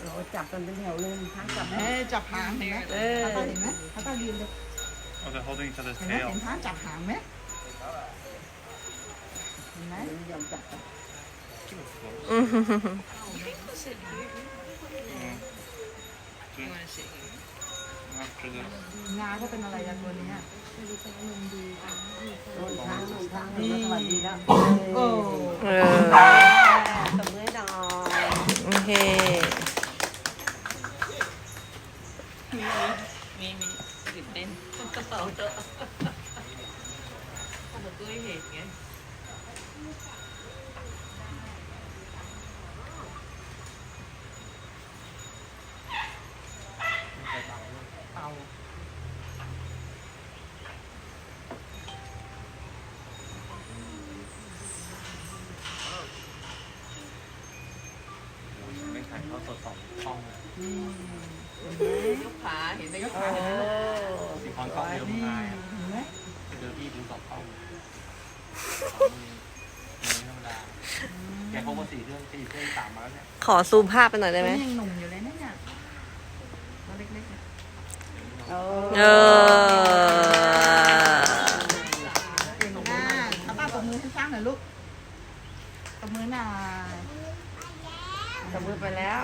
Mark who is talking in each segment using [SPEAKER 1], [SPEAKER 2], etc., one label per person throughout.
[SPEAKER 1] เราจับกันเป็นแถวเลยทั้งจับ
[SPEAKER 2] จับหางเห็นไหมเขาเห็นไหมเขาต้องยืนเลย
[SPEAKER 3] Oh, they're holding each other's
[SPEAKER 2] เห็นไหม
[SPEAKER 3] tail.
[SPEAKER 2] เห็นท้าจับหางไหมเห็นไหม
[SPEAKER 1] ยอมจับกัน
[SPEAKER 3] After this.
[SPEAKER 2] งาก็เป็นอะไรอะตัวนี้
[SPEAKER 1] โดนทางสวัสดีแล้ว
[SPEAKER 2] โอ้
[SPEAKER 1] ตบมือหน่อย
[SPEAKER 4] โอเค
[SPEAKER 5] มีตื่นเต้นกระเป๋าเตอะทำแบบตัวเห็นไง
[SPEAKER 2] เป่า
[SPEAKER 3] ไม่ถ่ายทอดสด2 ช่อง
[SPEAKER 5] ยกขาเห็นไหมยก
[SPEAKER 1] เอ
[SPEAKER 5] ขาเห็นไหม
[SPEAKER 1] อ
[SPEAKER 3] สีพรกล้องเดียวมึงอายอ่ะ
[SPEAKER 2] เห็นไหม
[SPEAKER 3] เจอพี่ดู2 ช่องธรรมดาแกพกมา4 เครื่อง3 มาแล้วเนี่ย
[SPEAKER 4] ขอซูมภาพไปหน่อยได้ไหม
[SPEAKER 2] ยังหนุ่มอยู่เลยนะเนี่ยตัวเล็กๆเนี่ย
[SPEAKER 1] เอ
[SPEAKER 4] เอ
[SPEAKER 1] อ
[SPEAKER 2] เก่งมากเอาป้าตบมือให้ช้างหน่อยลูกตบมือหน่อย
[SPEAKER 1] ตบมือไปแล้ว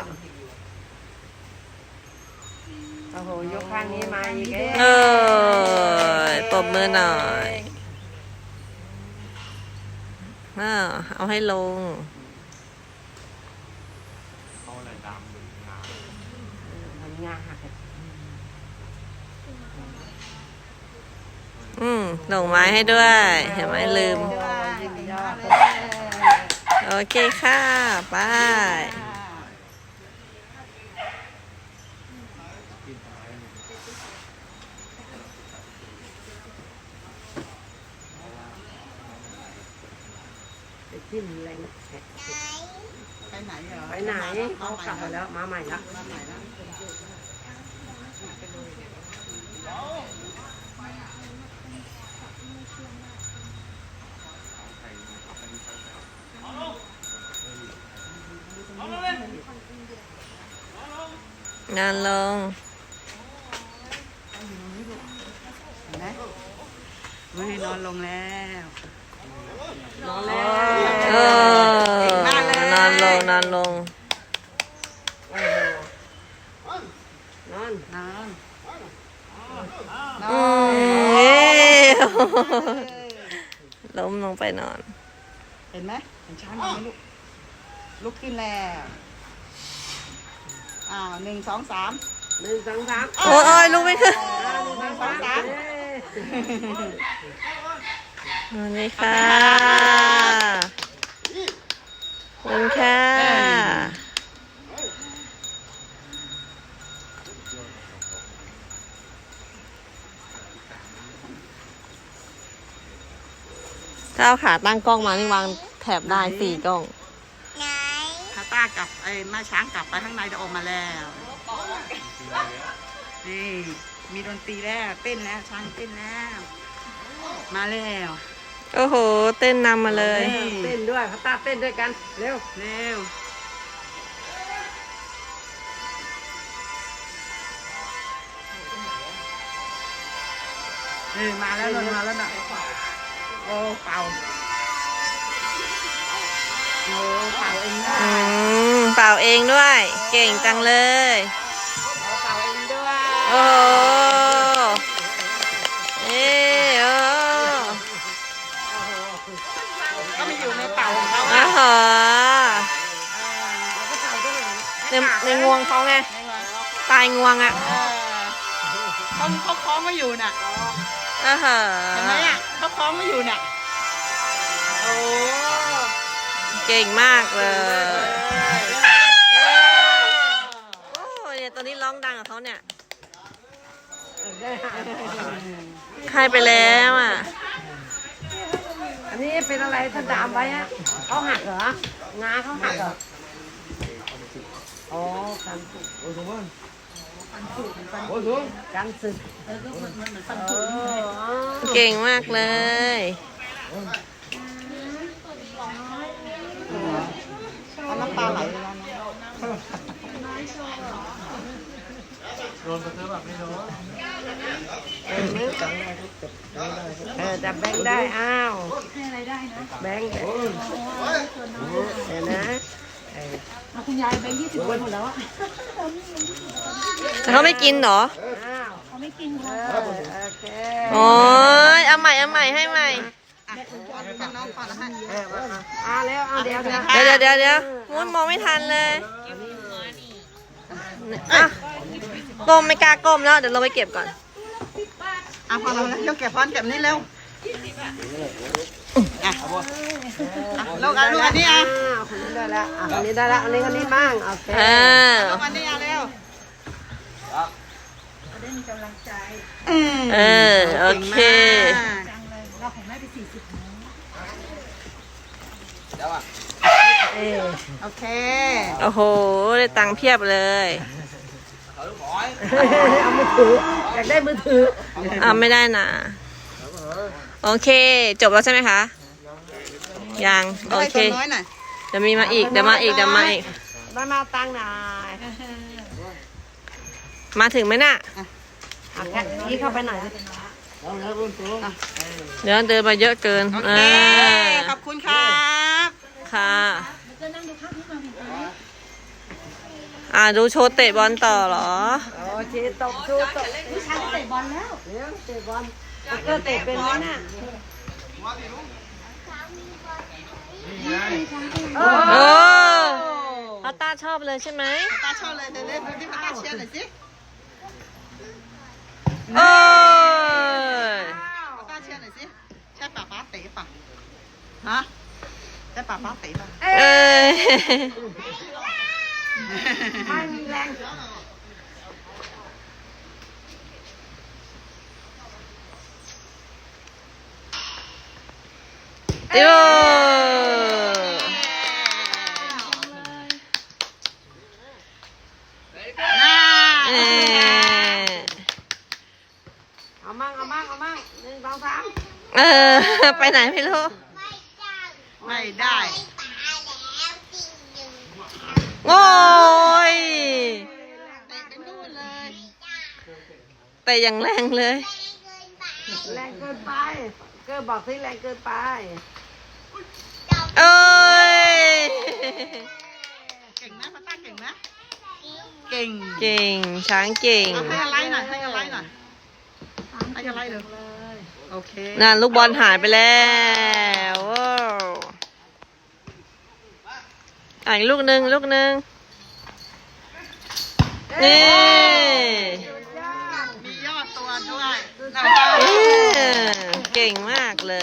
[SPEAKER 1] โอ้โหยกข้างนี้มาอีก
[SPEAKER 4] เออตบมือหน่อยเอาให้ลง
[SPEAKER 3] เขาเลยดำงา
[SPEAKER 1] มันงาหัก
[SPEAKER 4] ดอกไม้ให้ด้วย เห็นไหมลืม
[SPEAKER 2] ด้วยเก่งมากเลย
[SPEAKER 4] โอเคค่ะบาย
[SPEAKER 1] จิ้มแรง
[SPEAKER 2] ไปไหนเหรอ
[SPEAKER 1] ไปไหนเขากลับมาแล้วมาใหม่ละ
[SPEAKER 2] มาใหม่แล้ว
[SPEAKER 4] งานลง
[SPEAKER 2] เห็นไหมเฮ้ยนอนลงแล้ว
[SPEAKER 1] นอนแล้ว
[SPEAKER 4] เออนอนลง
[SPEAKER 1] นอน
[SPEAKER 2] นอน
[SPEAKER 4] เย้ล้มลงไปนอน
[SPEAKER 2] เห็นไหมเห็นช้างไหมลูกลุกขึ้นแล้ว1 2 3
[SPEAKER 1] 1 2 3
[SPEAKER 4] โอ้ยลุกไม่ขึ้น
[SPEAKER 2] 1 2 3
[SPEAKER 4] สวัสดีค่ะขอบคุณค่ะถ้าเอาขาตั้งกล้องมานี่วางแถบได้4 กล้อง
[SPEAKER 2] คาต้ากลับแม่ช้างกลับไปข้างในจะออกมาแล้วนี่มีดนตรีแล้วเต้นแล้วช้างเต้นแล้วมาแล้ว
[SPEAKER 4] โอ้โห เต้นนำมาเลย
[SPEAKER 1] เต้นด้วยเขาตาเต้นด้วยกันเร็ว
[SPEAKER 2] เร็วมาแล้วลงมาแล้วนะโอ้เป่าโอ้เป่าเองได้
[SPEAKER 4] เป่าเองด้วย เก่งจังเลย
[SPEAKER 2] เป่าเองด้วย
[SPEAKER 4] โอ้โหเอ้โอ้
[SPEAKER 2] ก็มาอยู่ในเป่าของเขา
[SPEAKER 4] อ๋อ
[SPEAKER 2] อ่ะ
[SPEAKER 4] เหรอในงวงเขาไง ปลายงวงอ่ะ
[SPEAKER 2] เขาคล้องมาอยู่น่ะ
[SPEAKER 4] อ๋อเหรอ
[SPEAKER 2] เห็นไหมอ่ะเขาคล้องมาอยู่น่ะโอ้
[SPEAKER 4] เก่งมากเลยโอ้เนี่ยตัวนี้ร้องดังกับเขาเนี่ย ให้ไปแล้วอ่ะ
[SPEAKER 1] อันนี้เป็นอะไรถ้าดามไว้อะเขาหักเหรอ งาเขาหักเหรออ๋อกันสึกโอ้โหกันสึก
[SPEAKER 4] เก่งมากเลย
[SPEAKER 2] เอาน้ำตาไหลเลยนะ
[SPEAKER 3] โดนกระเทือแบบไม่โดน
[SPEAKER 1] จับแบงค์ได้อ้าวแบงค์เห็นนะ
[SPEAKER 2] คุณยายแบงค์20 คนหมดแล้วอะ
[SPEAKER 4] แต่เขาไม่กินเหรอ
[SPEAKER 1] อ้าว
[SPEAKER 2] เขาไม่กินค่ะ
[SPEAKER 1] โอเค
[SPEAKER 4] โอ้ยเอาใหม่ให้ใหม่
[SPEAKER 2] เป็นน้องก่อนนะคะ
[SPEAKER 1] แล้วเอาเดี๋ยว
[SPEAKER 4] เดี๋ยวมุ้นมองไม่ทันเลยอ่ะก้มไม่กล้าก้มแล้ว เดี๋ยวเราไปเก็บก่อน
[SPEAKER 2] พอเราแล้วยกแกะพอนเก็บนี่เร็วลูกอันนี้
[SPEAKER 1] คนนี้ได้แล้วคนนี้ได้แล้วอันนี้คนนี้บ้างโอเค
[SPEAKER 2] ลูกอันนี้เร็ว
[SPEAKER 4] โอเค
[SPEAKER 2] เราของแม่ไป40
[SPEAKER 3] เดี๋ยวอ่ะ
[SPEAKER 2] โอเค
[SPEAKER 4] โอ้โห ได้ตังค์เพียบเลย
[SPEAKER 3] เขาลูกบอย
[SPEAKER 1] เอามือถืออยากได้มือถือ
[SPEAKER 4] ไม่ได้นะ โอเค จบแล้วใช่ไหมคะ ยัง โอเค
[SPEAKER 2] น้อยหน่อย
[SPEAKER 4] เดี๋ยวมีมาอีก เดี๋ยวมาอีก
[SPEAKER 1] มาตังค์หน่อย
[SPEAKER 4] มาถึงไหมน่ะ
[SPEAKER 1] เอาแค่นี้เข้าไปหน่อย
[SPEAKER 4] เดี๋ยวเดินมาเยอะเกิน
[SPEAKER 2] โอเคขอบคุณครับ
[SPEAKER 4] ค่ะดูโชว์เตะบอลต่อเหรอ
[SPEAKER 1] โอเคตบชูตบผู้ชายเตะบอลแล้วเดี๋ยวเตะบอลก็เตะเป็นไหมน่ะ
[SPEAKER 4] โอ้พัตตาชอบเลยใช่ไหม
[SPEAKER 2] ตาชอบเลยเดี๋ยวเล่นดูที่พัตตาเชียร์หน่อยสิ
[SPEAKER 4] โอ้ย
[SPEAKER 2] พัตตาเชียร์หน่อยสิใช่ป่าป้าเตะป่ะฮะใช่ป่าป้าเตะป่ะ
[SPEAKER 4] เอ้ย
[SPEAKER 1] ไม่มีแรง
[SPEAKER 4] โอ้เอ้ย
[SPEAKER 1] เอามั่ง1 2 3
[SPEAKER 4] ไปไหนไม่รู้
[SPEAKER 2] ไม่ได้
[SPEAKER 4] โอ้ย
[SPEAKER 2] เตะเป็นนู่นเลย
[SPEAKER 4] แต่ยังแรงเลย
[SPEAKER 1] แรงเกินไปเกินบอกสิแรงเกินไป
[SPEAKER 4] เอ้ย
[SPEAKER 2] เก่งนะพัตตาเก่งนะเก่ง
[SPEAKER 4] เก่ง ช้างเก่ง
[SPEAKER 2] เอาให้อะไรหน่อยให้อะไรหน่อยให้อะไรเลยโอเค
[SPEAKER 4] นั่นลูกบอลหายไปแล้วว้าวอีกลูกหนึ่งนี่
[SPEAKER 2] มียอดตัวด้วย
[SPEAKER 4] เก่งมากเลย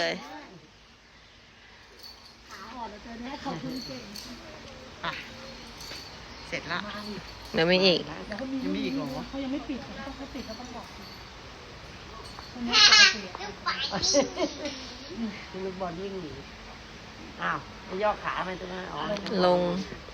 [SPEAKER 2] เสร็จละ
[SPEAKER 4] เดี๋ยวมีอีก
[SPEAKER 2] ยังมีอีกเหรอ
[SPEAKER 1] ลูกบอลวิ่งหนีอ้าวไปย่อขาไปตรงนั้นอ๋อ
[SPEAKER 4] ลง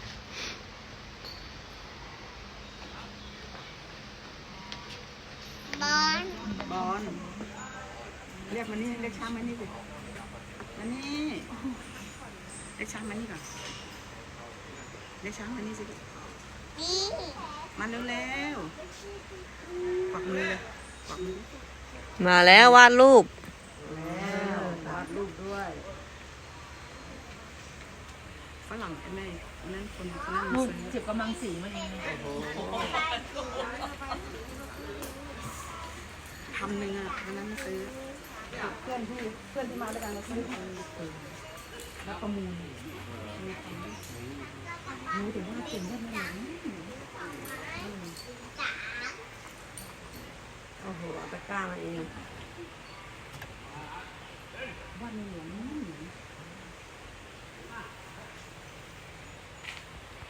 [SPEAKER 2] บอลเรียกมานี่เรียกช้างมานี่สิมานี่เรียกช้างมานี่ก่อนเรียกช้างมานี่สิมาเร็วๆกวักมือเลยกวักมือ
[SPEAKER 4] มาแล้ววาดรูป
[SPEAKER 1] แล้ววาดรูปด้วย
[SPEAKER 2] ฝรั่งไอ้แม่นั่นคนนั่นมาซื้อ
[SPEAKER 5] เจ็บกำลังสีมาเอง
[SPEAKER 2] 1,000อ่ะวันนั้นมาซื้อ
[SPEAKER 5] เพื่อนที่มาด้วยกันเราซื้อแล้วประมูลรู้แต่ว่าเก่งได้ไหม
[SPEAKER 1] โอ้โหเอาตะกร้ามาเอง
[SPEAKER 5] ว่าในหลวง